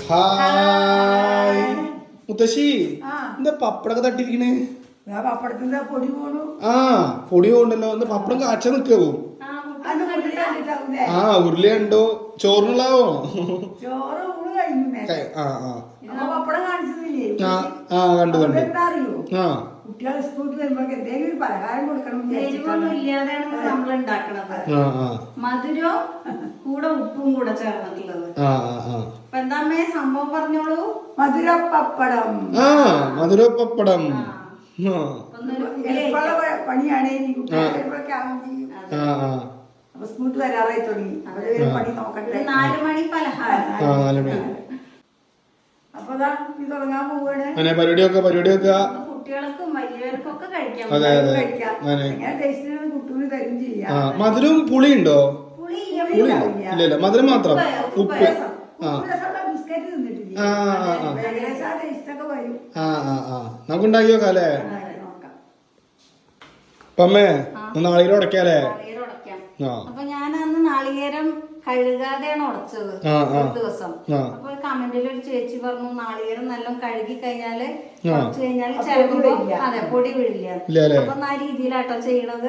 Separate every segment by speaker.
Speaker 1: Hi മുത്തശ്ശി, എന്താ പപ്പടൊക്കെ തട്ടിരിക്കണേ?
Speaker 2: പപ്പടത്തിന്റെ പൊടി പോണു.
Speaker 1: പൊടി പോണ്ടല്ലോ. ഒന്ന് പപ്പടം കാച്ച നിക്കാവോ? ഉരുളി കണ്ടോ? ചോറിനുള്ളതാവോ?
Speaker 2: ചോറ് ഊണ് കഴിഞ്ഞു. പപ്പടം കാണിച്ചതില്ലേ?
Speaker 1: കണ്ടു കണ്ടു.
Speaker 2: എന്താ അറിയോ, കുട്ടികൾ സ്കൂളിൽ വരുമ്പോ എന്തെങ്കിലും ഒരു പലഹാരം കൊടുക്കണം.
Speaker 3: ഇല്ലാതെയാണ് നമ്മൾ ഉണ്ടാക്കണത്. മധുരവും കൂടെ ഉപ്പും കൂടെ ചേർന്നിട്ടുള്ളത്. അപ്പൊ എന്താ സംഭവം പറഞ്ഞോളൂ.
Speaker 2: മധുരപ്പപ്പടം.
Speaker 1: മധുരപ്പപ്പടം
Speaker 2: പണിയാണ്. അപ്പൊ സ്കൂളിൽ വരാറായി തുടങ്ങി. അവര് പണി നോക്കട്ടെ.
Speaker 3: 4 മണി പലഹാരം.
Speaker 2: അപ്പൊ ഇത് തുടങ്ങാൻ പോവാണ്.
Speaker 1: പരിപാടിയൊക്കെ
Speaker 3: കുട്ടികൾക്കും വലിയവർക്കും ഒക്കെ കഴിക്കാം.
Speaker 2: കുട്ടൂര് തരും ചെയ്യാം.
Speaker 1: മധുരം പുളി ഉണ്ടോ? ഇല്ല, മധുരം മാത്രം. ഉപ്പ്
Speaker 2: ബിസ്ക്കറ്റ് തിന്നിട്ടില്ല. ടേസ്റ്റൊക്കെ വരും.
Speaker 1: നമുക്ക് ഉണ്ടാക്കി നോക്കാം അല്ലേ? അമ്മേ നാളികേരം ഉടക്കാല്ലേ?
Speaker 3: അപ്പൊ ഞാൻ അന്ന് നാളികേരം കഴുകാതെയാണ് ഉടച്ചത് ഒരു ദിവസം. അപ്പൊ കമന്റിൽ ഒരു ചേച്ചി പറഞ്ഞു നാളികേരം നല്ല കഴുകി കഴിഞ്ഞാല് ഉടച്ചു കഴിഞ്ഞാല് ചിലപ്പോ അതെ പൊടി വീഴില്ല. അപ്പൊ ആ രീതിയിലാട്ടോ ചെയ്യണത്.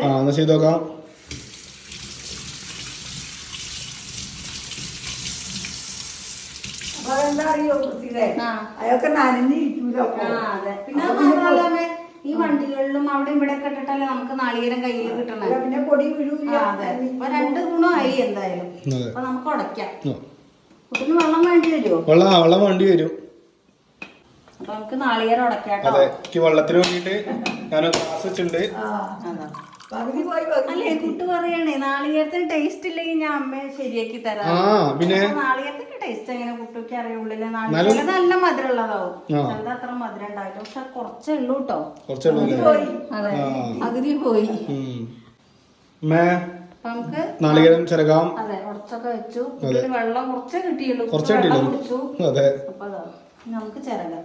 Speaker 2: അപ്പൊ അതെന്താ അറിയോ, അതൊക്കെ നനഞ്ഞിരിക്കൂലോ.
Speaker 3: പിന്നെ മാത്രമല്ല ഈ വണ്ടികളിലും അവിടെ ഇവിടെ ഒക്കെ ഇട്ടിട്ടല്ലേ നമുക്ക് നാളികേരം കയ്യിൽ കിട്ടണേ.
Speaker 2: പിന്നെ പൊടി വീഴൂല.
Speaker 3: അതെ, അപ്പൊ 2 ഗുണമായി എന്തായാലും. അപ്പൊ നമുക്ക് ഉടയ്ക്കാം. കുട്ടിന് വെള്ളം വേണ്ടി വരുമോ?
Speaker 1: വെള്ളം വേണ്ടി വരും.
Speaker 3: അപ്പൊ നമുക്ക് നാളികേരം ഉടയ്ക്കാട്ടോ.
Speaker 1: വെള്ളത്തിന് വേണ്ടിട്ട് ഞാൻ ഗ്ലാസ് വെച്ചിട്ടുണ്ട്.
Speaker 3: അല്ലേ കുട്ടി പറയണേ നാളികേരത്തിന് ടേസ്റ്റ് ഇല്ലെങ്കിൽ ഞാൻ അമ്മയെ ശരിയാക്കി തരാം.
Speaker 1: പിന്നെ
Speaker 3: നാളികേരത്തിന്റെ ടേസ്റ്റ് എങ്ങനെ കുട്ടിക്ക് അറിയുള്ളില്ല. നാളികേരം നല്ല മധുരം ഉള്ളതാവും. ചിലത് അത്ര മധുരം ഉണ്ടാവില്ല. പക്ഷെ കുറച്ചേ ഉള്ളൂ കേട്ടോ. അതെ, അഗതി പോയി. നമുക്ക്
Speaker 1: നാളികേരം ചിരകാം.
Speaker 3: അതെ, ഉടച്ചൊക്കെ വെച്ചു. വെള്ളം കുറച്ചേ കിട്ടിയുള്ളൂ. കുടിച്ചു. അപ്പൊ നമുക്ക് ചിരകാം.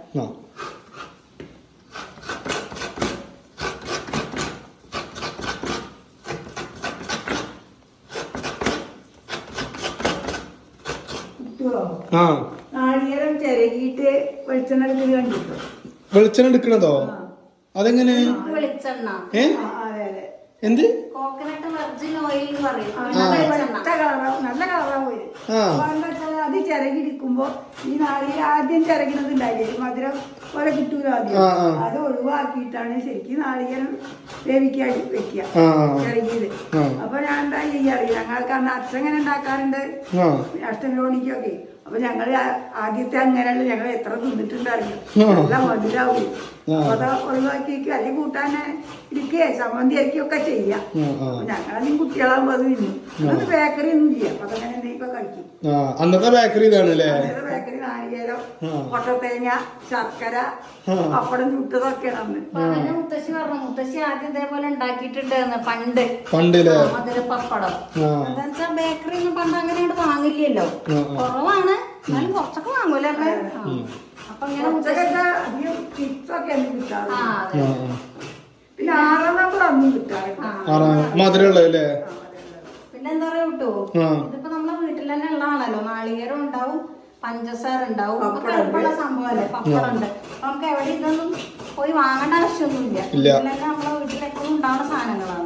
Speaker 2: നാളികേരം ചിരകിയിട്ട് വെളിച്ചെണ്ണ എടുക്കുന്നത് കണ്ടിട്ടോ?
Speaker 1: വെളിച്ചെണ്ണ എടുക്കണതോ? അതെങ്ങനെ?
Speaker 3: വെളിച്ചെണ്ണ
Speaker 1: എന്ത്?
Speaker 3: കോക്കനട്ട് വെർജിൻ ഓയിൽ എന്ന് പറയും.
Speaker 2: നല്ല കളറാ പോയി. എന്താ വെച്ചാൽ അത് ചിരകിടിക്കുമ്പോ ഈ നാളികേരം ആദ്യം ചിരകിണത് ഉണ്ടായില്ലേ, മധുരം പോലെ കിട്ടൂല. ആദ്യം അത് ഒഴിവാക്കിയിട്ടാണ് ശരിക്കും നാളികേരം വേവിക്കാൻ വെക്കുക ചിരകിയത്. അപ്പൊ ഞാൻ എന്താ ചെയ്യാറില്ല, ഞങ്ങൾക്ക് അന്ന് അച്ഛങ്ങനെ ഉണ്ടാക്കാറുണ്ട് അഷ്ടമിലോണിക്കൊക്കെ. അപ്പൊ ഞങ്ങള് ആദ്യത്തെ അങ്ങനെയുള്ള ഞങ്ങൾ എത്ര തിന്നിട്ടുണ്ടായിരുന്നു. നല്ല മധുരാവും. അപ്പൊ അത് ഒഴിവാക്കിയേക്കും. അല്ലെങ്കിൽ കൂട്ടാനെ ഇരിക്കുകയെ ചമ്മന്തി അരിക്കൊക്കെ ചെയ്യാം. ഞങ്ങളധികം കുട്ടികളാകുമ്പോ അത് തിന്നും. അത് ബേക്കറി ഒന്നും ചെയ്യാം. അപ്പൊ അതങ്ങനെ എന്തെങ്കിലും കഴിക്കും.
Speaker 1: അന്നത്തെ ബേക്കറി ഇതാണല്ലേ?
Speaker 2: ബേക്കറി നാളികേരം, കൊട്ടത്തേങ്ങ, ശർക്കര, പപ്പടം ചുട്ടതൊക്കെയാണ് അന്ന്.
Speaker 3: മുത്തശ്ശി പറഞ്ഞു, മുത്തശ്ശി ആദ്യം ഇതേപോലെ ഉണ്ടാക്കിയിട്ടുണ്ട് പണ്ട് മധുര പപ്പടം. എന്താ വെച്ചാ ബേക്കറി ഒന്നും പണ്ട് അങ്ങനെ വാങ്ങില്ലല്ലോ, കുറവാണ്. എന്നാലും കുറച്ചൊക്കെ വാങ്ങൂല. അപ്പൊ ഇങ്ങനെ
Speaker 2: അധികം ചിപ്സൊക്കെ കിട്ടാറ്. പിന്നെ 6 നമ്പർ അന്നും കിട്ടാറ്.
Speaker 1: മധുരമുള്ളതല്ലേ?
Speaker 3: പിന്നെ എന്താ പറയാ കിട്ടൂ, ഇതിപ്പോ നമ്മളെ വീട്ടിൽ തന്നെ ഉള്ളതാണല്ലോ. നാളികേരം ഉണ്ടാവും, പഞ്ചസാര ഉണ്ടാവും, ഒക്കെ എളുപ്പമുള്ള സംഭവമല്ലേ. പപ്പടമുണ്ട്. അപ്പൊ നമുക്ക് എവിടെ ഇതൊന്നും പോയി വാങ്ങേണ്ട ആവശ്യമൊന്നുമില്ല. ഇതിലന്നെ നമ്മളെ വീട്ടിലെപ്പോഴും ഉണ്ടാവുന്ന സാധനങ്ങളാണ്.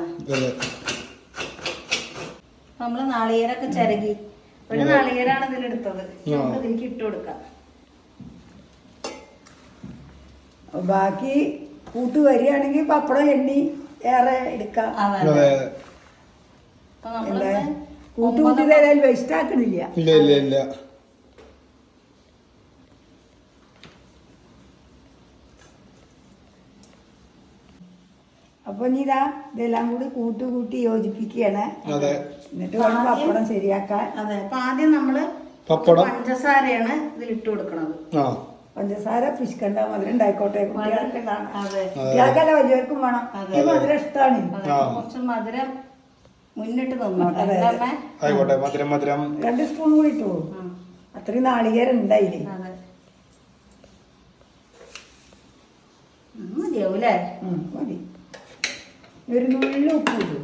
Speaker 3: നമ്മള് നാളികേരൊക്കെ ചിരകി ഒരു നാളികേരാണ് ഇതിലെടുത്തത്. നമുക്ക് ഇതിലേക്ക് ഇട്ട് കൊടുക്കാം.
Speaker 2: ബാക്കി കൂട്ട് വരികയാണെങ്കിൽ പപ്പടം എണ്ണി ഏറെ എടുക്കാം. കൂട്ടുകൂട്ടി തരാൻ വേസ്റ്റ് ആക്കണില്ല. അപ്പൊ ഇതാ ഇതെല്ലാം കൂടി കൂട്ടി യോജിപ്പിക്കുകയാണ്. എന്നിട്ട് വേണം പപ്പടം ശരിയാക്കാൻ.
Speaker 3: അതെ, അപ്പൊ ആദ്യം നമ്മള് പഞ്ചസാരയാണ് ഇതിലിട്ട് കൊടുക്കണത്.
Speaker 2: പഞ്ചസാര പിശുക്കണ്ട, മധുരം ഉണ്ടായിക്കോട്ടെ. കുട്ടികൾക്കല്ല വലിയവർക്കും വേണം. ഈ മധുരം ഇഷ്ടമാണ്.
Speaker 3: കുറച്ച് മധുരം മുന്നിട്ട് തന്നോട്ടെ.
Speaker 2: 2 സ്പൂൺ കൂടി ഇട്ടു. അത്രയും നാളികേരം ഉണ്ടായില്ലേ?
Speaker 3: മതിയാവൂലേ?
Speaker 2: മതി. ഒരു നുള്ളി ഉപ്പ് ഇട്ടു.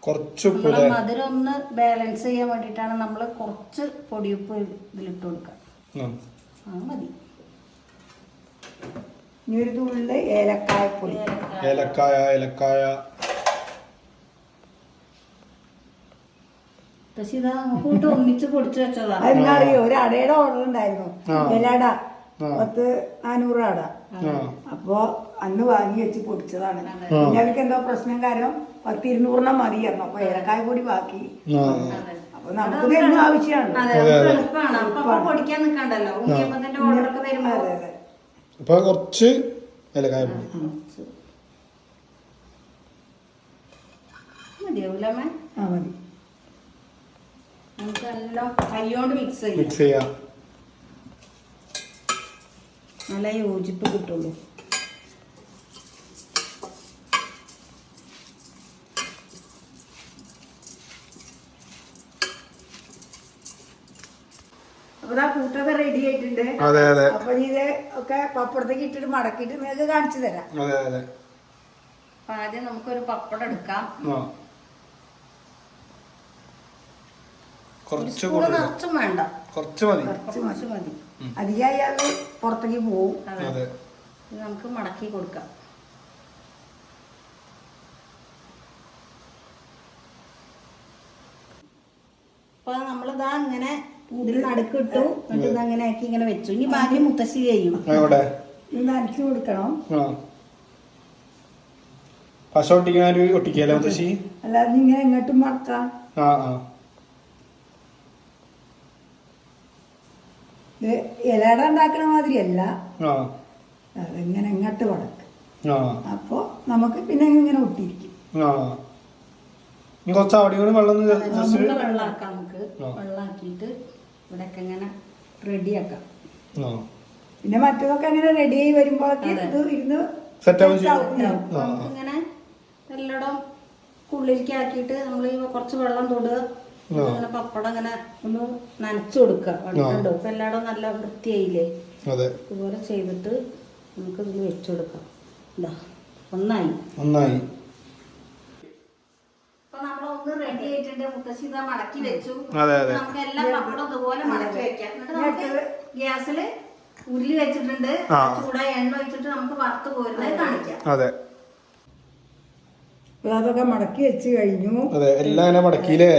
Speaker 1: കുറച്ച് ഉപ്പ്
Speaker 3: നമ്മളെ മധുരം ഒന്ന് ബാലൻസ് ചെയ്യാൻ വേണ്ടിയിട്ടാണ് നമ്മൾ കുറച്ച് പൊടിയുപ്പ് ഇതിലിട്ട് കൊടുക്കുക. അത് മതി.
Speaker 2: ഇനി ഒരു തുള്ളി ഏലക്കായപ്പൊടി.
Speaker 1: ഏലക്കായ
Speaker 3: പക്ഷെ ഇതാ കൂട്ട് ഒന്നിച്ച് പൊടിച്ചു വെച്ചതാ.
Speaker 2: അതെന്താ അറിയോ, ഒരു അടയുടെ ഓർഡർ ഉണ്ടായിരുന്നു, ഇലട 400 അട. അപ്പൊ അന്ന് വാങ്ങി വെച്ച് പൊടിച്ചതാണ്. പിന്നെ അവർക്ക് എന്തോ പ്രശ്നം കാരണം 100-200 മതിയായിരുന്നു. അപ്പൊ ഏലക്കായ പൊടി ബാക്കി. അപ്പൊ നമുക്ക് എന്നും ആവശ്യമാണ്.
Speaker 3: എളുപ്പമാണ്. അപ്പൊ പൊടിക്കാൻ നിൽക്കണ്ടല്ലോ. ഉണ്ണിയപ്പത്തിന്റെ ഓർഡർ ഒക്കെ വരുമ്പോ
Speaker 1: അപ്പൊ കുറച്ച് ഏലക്കായ പൊടി
Speaker 3: മതിയാവൂലമ്മേ?
Speaker 2: മതി.
Speaker 3: നമുക്ക് എല്ലാം കൈയോണ്ട് മിക്സ്
Speaker 1: ചെയ്യാം.
Speaker 3: നല്ല യോജിപ്പ് കിട്ടുള്ളൂ.
Speaker 2: അപ്പൊ ആ കൂട്ടൊക്കെ റെഡി ആയിട്ടുണ്ട്. അപ്പൊ ഇത് ഒക്കെ പപ്പടത്തേക്ക് ഇട്ടിട്ട് മടക്കിയിട്ട് നിങ്ങൾക്ക് കാണിച്ചു തരാം.
Speaker 3: അപ്പൊ ആദ്യം നമുക്കൊരു പപ്പടം എടുക്കാം. നിറച്ചും വേണ്ട,
Speaker 1: കുറച്ച് മതി.
Speaker 2: അധികമായി അത് പുറത്തേക്ക് പോവും.
Speaker 3: നമുക്ക് മടക്കി കൊടുക്കാം. അപ്പൊ നമ്മളിതാ ഇങ്ങനെ ഇതിൽ നടുക്കിട്ടു. എന്നിട്ട് ഇതങ്ങനെ ആക്കി ഇങ്ങനെ വെച്ചു. ഇനി ബാക്കി മുത്തശ്ശി ചെയ്യും.
Speaker 2: ഇത് നനച്ചു കൊടുക്കണം.
Speaker 1: പശ ഒട്ടിക്കല്ലേ മുത്തശ്ശി?
Speaker 2: അല്ലാതെ ഇങ്ങനെ എങ്ങോട്ടും മടക്കാം. ഇലട ഉണ്ടാക്കണ മാതിരിയല്ല, അതിങ്ങനെ എങ്ങോട്ട് മടക്കും. അപ്പൊ നമുക്ക് പിന്നെ ഇങ്ങനെ ഒട്ടിയിരിക്കും.
Speaker 1: കുറച്ച് അവിടെ
Speaker 3: വെള്ളാക്കാം. നമുക്ക് വെള്ളാക്കിയിട്ട് ഇവിടെയൊക്കെ ഇങ്ങനെ റെഡിയാക്കാം.
Speaker 2: പിന്നെ മറ്റതൊക്കെ അങ്ങനെ റെഡി ആയി വരുമ്പോഴൊക്കെ ഇരുന്ന്
Speaker 3: ഇങ്ങനെ എല്ലാം ഉള്ളിലേക്ക് ആക്കിയിട്ട് നമ്മൾ കുറച്ച് വെള്ളം തൊടുക. അങ്ങനെ പപ്പടം ഇങ്ങനെ ഒന്ന് നനച്ചു കൊടുക്കുക. കണ്ടോ ഇപ്പൊ എല്ലായിടും നല്ല വൃത്തിയായില്ലേ? ഇതുപോലെ ചെയ്തിട്ട് നമുക്ക് ഇതിൽ വെച്ചു കൊടുക്കാം. ഇതാ ഒന്നായി. അപ്പൊ നമ്മളൊന്ന് റെഡി ആയിട്ടുണ്ട്. മുത്തശ്ശി ഇതാ മടക്കി വെച്ചു. നമുക്ക് എല്ലാ പപ്പടം ഇതുപോലെ മടക്കി വെക്കാം. എന്നിട്ട് നമുക്ക് ഗ്യാസില് ഉരുളി വെച്ചിട്ടുണ്ട്. ചൂടായ എണ്ണ വെച്ചിട്ട് നമുക്ക് വറുത്ത് കോരുന്നത് കാണിക്കാം.
Speaker 2: അതൊക്കെ മടക്കി വെച്ച് കഴിഞ്ഞു.
Speaker 1: എല്ലാം മടക്കിയില്ലേ?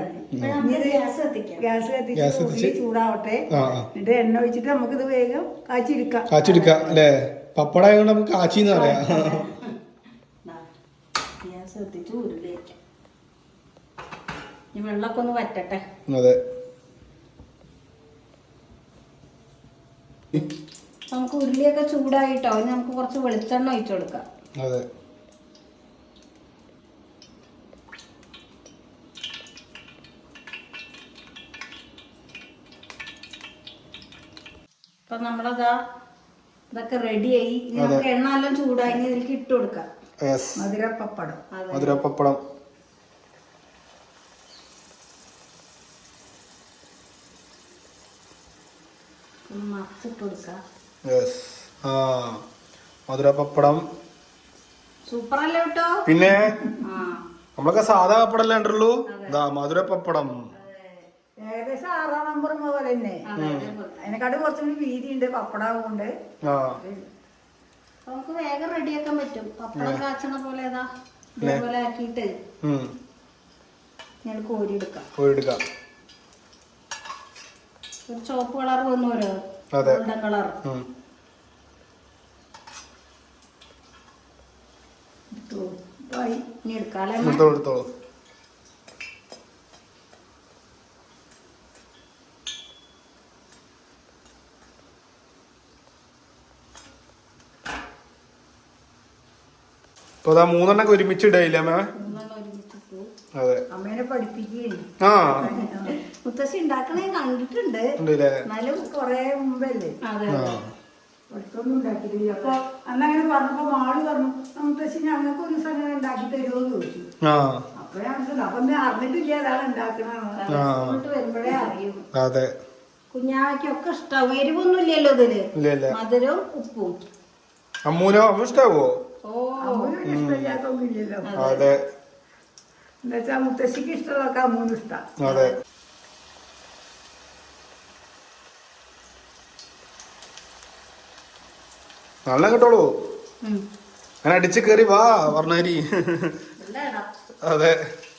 Speaker 2: ഗ്യാസ് കത്തിച്ച് ചൂടാവട്ടെ. എന്നിട്ട് എണ്ണ ഒഴിച്ചിട്ട് നമുക്ക് ഇത് വേഗം കാച്ചിയെടുക്കാം
Speaker 1: അല്ലേ? പപ്പടം കൊണ്ട് നമുക്ക് കാച്ചിന്ന് പറയാം.
Speaker 3: ഗ്യാസ് കത്തിച്ച് ഉരുളി വെക്കാം. ഈ വെള്ളമൊക്കെ ഒന്ന് വറ്റട്ടെ. നമുക്ക് ഉരുളിയൊക്കെ ചൂടായിട്ടോ. ഇനി നമുക്ക് കുറച്ച് വെളിച്ചെണ്ണ ഒഴിച്ചു കൊടുക്കാം. അപ്പൊ നമ്മളതാ ഇതൊക്കെ റെഡിയായി. നമുക്ക് എണ്ണ എല്ലാം ചൂടായി. ഇതിലേക്ക് ഇട്ട് കൊടുക്കാം
Speaker 1: മധുരപ്പപ്പടം.
Speaker 3: മറിച്ചിട്ട് കൊടുക്കാം.
Speaker 1: മധുരപ്പപ്പടം
Speaker 3: സൂപ്പറല്ലേ കേട്ടോ?
Speaker 1: പിന്നെ നമ്മളൊക്കെ സാധാ പപ്പടല്ലേ ഉണ്ടല്ലോ. മധുരപ്പപ്പടം
Speaker 2: ഏകദേശം 6-ാം നമ്പർ പോലെ തന്നെ. അതിനെക്കാട്ടും കുറച്ചുകൂടി വീതി ഉണ്ട് പപ്പടാവുകൊണ്ട്.
Speaker 3: നമുക്ക് വേഗം റെഡിയാക്കാൻ പറ്റും. പപ്പടം കാച്ചണ പോലെ ഇതേപോലെ ആക്കിയിട്ട് ഞാൻ കോരിയെടുക്കാം. ഒരു ചുവപ്പ് കളർ വന്നോരോ ഗോൾഡൻ കളർ. ഇനി എടുക്കാല്ലേ?
Speaker 1: ഇപ്പൊ 3 ഒരുമിച്ച് ഇടയില്ല
Speaker 2: അമ്മേനെ പഠിപ്പിക്കുകയും
Speaker 3: മുത്തശ്ശി ഉണ്ടാക്കണേ കണ്ടിട്ടുണ്ട്.
Speaker 2: എന്നാലും കൊറേ മുമ്പല്ലേ പഠിത്തൊന്നും ഉണ്ടാക്കിയിട്ടില്ല. അപ്പൊ അന്നങ്ങനെ പറഞ്ഞപ്പോ മാള് പറഞ്ഞു, മുത്തശ്ശി ഞങ്ങൾക്ക് ഒരു സമയം ഉണ്ടാക്കി തരുമോ എന്ന് ചോദിച്ചു. അപ്പോഴാണ് അപ്പൊ അറിഞ്ഞിട്ടില്ല അതാണ് ഉണ്ടാക്കണെന്ന്.
Speaker 3: വരുമ്പോഴേ അറിയും. കുഞ്ഞാവയ്ക്കൊക്കെ ഇഷ്ടാവും. എരിവൊന്നും ഇല്ലല്ലോ ഇതില്, മധുരവും ഉപ്പും.
Speaker 1: അമ്മൂനോ? അമ്മ ഇഷ്ടാവോ?
Speaker 2: ഇഷ്ടമില്ലാത്തൊന്നും ഇല്ലല്ലോ. എന്നുവെച്ചാ മുത്തശ്ശിക്ക് ഇഷ്ടമുള്ളതൊക്കെ അമ്മൂന്ന് ഇഷ്ടം.
Speaker 1: അതെ. നല്ല കേട്ടോളൂ. അങ്ങനെ അടിച്ച് കയറി വാ പറഞ്ഞാരി. അതെ.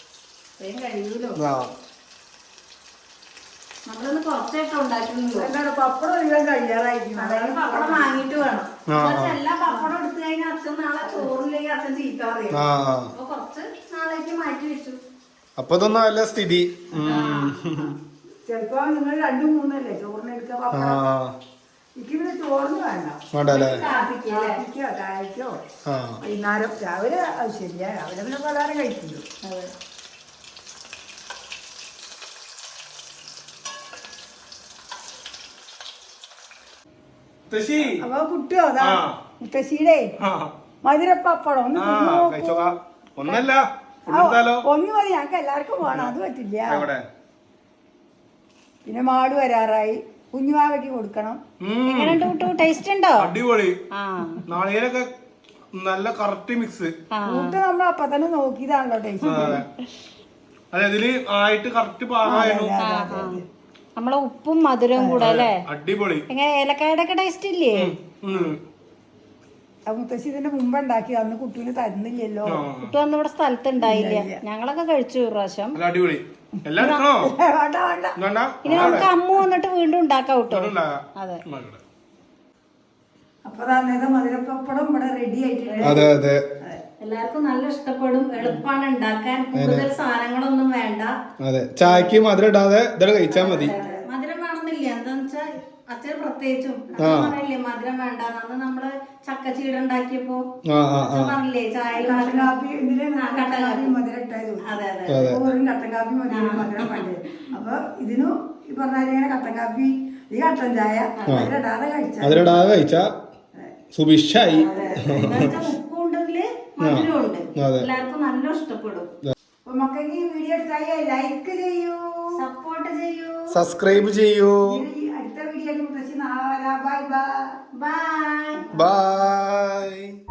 Speaker 3: നമ്മളൊന്ന് കുറച്ചായിട്ട് ഉണ്ടാക്കുന്നുള്ളൂ.
Speaker 2: പപ്പടം ഒഴിവാൻ കഴിയാറായിരിക്കും.
Speaker 3: പപ്പടം വാങ്ങിട്ട് വേണം. എല്ലാ പപ്പടം എടുത്തു കഴിഞ്ഞാൽ അച്ഛൻ നാളെ ചോറിലേക്ക് അച്ഛൻ ചീത്ത പറയും. അപ്പൊ കുറച്ച് നാളേക്ക് മാറ്റി വെച്ചു.
Speaker 1: അപ്പൊ ഇതൊന്നും അല്ല സ്ഥിതി.
Speaker 2: ചെലപ്പോ നിങ്ങൾ 2-3 ചോറിന് എടുക്കുക പപ്പടം. എനിക്ക് പിന്നെ ചോറിന് വേണ്ടല്ലേ, കാപ്പിക്കോ ചായക്കോ വൈകുന്നേരം. രാവിലെ ശരിയാ, രാവിലെ പിന്നെ പലഹാരം കഴിക്കുന്നു. അപ്പൊ കുട്ടിയോ അതാ മുത്തശ്ശിയുടെ മധുരപ്പപ്പടം
Speaker 1: ഒന്നല്ല
Speaker 2: ഒന്ന് മതി, ഞങ്ങൾക്ക് എല്ലാവർക്കും വേണം. അത് പറ്റില്ല. പിന്നെ മാട് വരാറായി, കുഞ്ഞുമാവയ്ക്ക് കൊടുക്കണം.
Speaker 3: ടേസ്റ്റ് ഉണ്ടോ?
Speaker 1: അടിപൊളി. നാളികേരൊക്കെ നല്ല കറക്റ്റ് മിക്സ്.
Speaker 2: കൂട്ട് നമ്മൾ അപ്പൊ തന്നെ നോക്കിയതാണല്ലോ ടേസ്റ്റ്.
Speaker 1: അതെ, ഇതില് ആയിട്ട് കറക്റ്റ് പാകമായിരുന്നു.
Speaker 3: നമ്മളെ ഉപ്പും മധുരവും കൂടെ അല്ലേ,
Speaker 1: അടിപൊളി.
Speaker 3: എങ്ങനെ ഏലക്കായുടെ ഒക്കെ ടേസ്റ്റ് ഇല്ലേ?
Speaker 2: മുത്തശ്ശി ഇതിന്റെ മുമ്പ് ഉണ്ടാക്കി, അന്ന് കുട്ടീന് തരുന്നില്ലല്ലോ.
Speaker 3: കുട്ടി അന്ന് ഇവിടെ സ്ഥലത്ത് ഉണ്ടായില്ല. ഞങ്ങളൊക്കെ കഴിച്ചു പ്രാവശ്യം.
Speaker 1: അടിപൊളി.
Speaker 3: ഇനി നമുക്ക് അമ്മു വന്നിട്ട് വീണ്ടും ഉണ്ടാക്കാം കേട്ടോ. അതെ.
Speaker 2: അപ്പൊ മധുരപ്പപ്പടം ഇവിടെ റെഡി ആയിട്ടുണ്ട്.
Speaker 1: അതെ അതെ.
Speaker 3: എല്ലാവർക്കും നല്ല ഇഷ്ടപ്പെടും. എളുപ്പമാണ് ഉണ്ടാക്കാൻ, കൂടുതൽ സാധനങ്ങളൊന്നും വേണ്ട.
Speaker 1: അതെ, ചായക്ക് മധുരം ഇടാതെ ഇതൊക്കെ കഴിച്ചാൽ മതി.
Speaker 3: മധുരം വേണമെന്നില്ല. എന്താന്ന് വെച്ചാൽ അച്ഛൻ പ്രത്യേകിച്ചും പറയില്ലേ മധുരം വേണ്ട. അന്ന് നമ്മള് ചക്കച്ചീട ഉണ്ടാക്കിയപ്പോ പറഞ്ഞില്ലേ ചായ
Speaker 2: കട്ടൻ കാപ്പി മധുരം ഇട്ടായത്.
Speaker 3: അതെ അതെ.
Speaker 2: കട്ടൻ കാപ്പി മധുരം വേണ്ടത്. അപ്പൊ ഇതിനും ഈ പറഞ്ഞ കട്ടൻ കാപ്പി, ഈ കട്ടൻ ചായ
Speaker 1: മധുരിടാതെ കഴിച്ചാ സുഭിക്ഷായി.
Speaker 3: ഉപ്പുണ്ടെങ്കില് മധുരമുണ്ട്. എല്ലാവർക്കും നല്ല ഇഷ്ടപ്പെടും.
Speaker 2: അപ്പൊ മക്കൾക്ക് ഈ വീഡിയോ ഇഷ്ടമായി ലൈക്ക് ചെയ്യൂ,
Speaker 3: സപ്പോർട്ട് ചെയ്യൂ,
Speaker 1: സബ്സ്ക്രൈബ് ചെയ്യൂ.
Speaker 2: അടുത്ത video bye bye
Speaker 3: bye
Speaker 1: by.